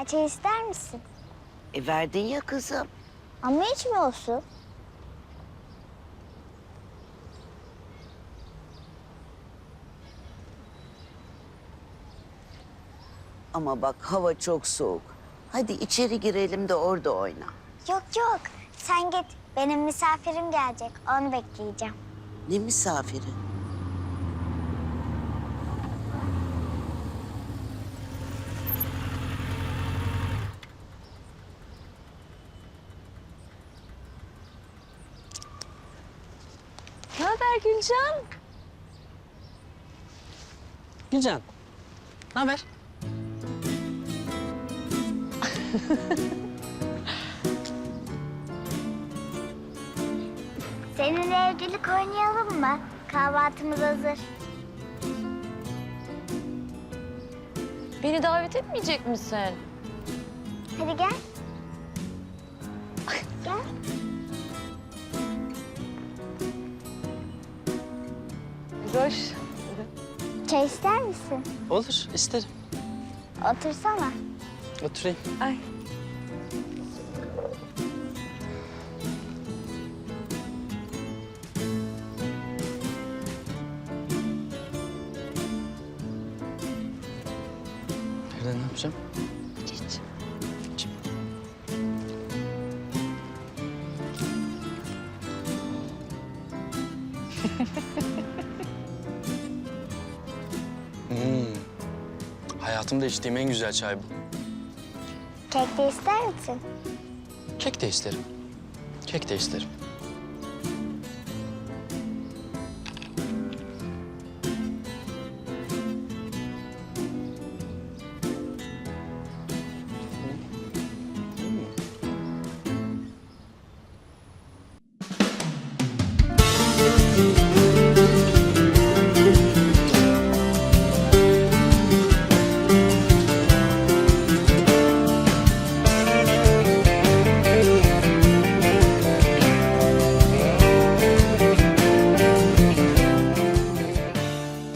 Bana çay ister misin? Verdin ya kızım. Ama içmiyorsun. Ama bak hava çok soğuk. Hadi içeri girelim de orada oyna. Yok yok. Sen git. Benim misafirim gelecek. Onu bekleyeceğim. Ne misafiri? Ne haber Gülcan? Gülcan, ne haber? Seninle evcilik oynayalım mı? Kahvaltımız hazır. Beni davet etmeyecek misin? Hadi gel. Gel. Hoş. Çay ister misin? Olur, isterim. Otursana. Oturayım. Ay. Nereden ne yapacağım? Geç. Hayatımda içtiğim en güzel çay bu. Kek de ister misin? Kek de isterim. Kek de isterim.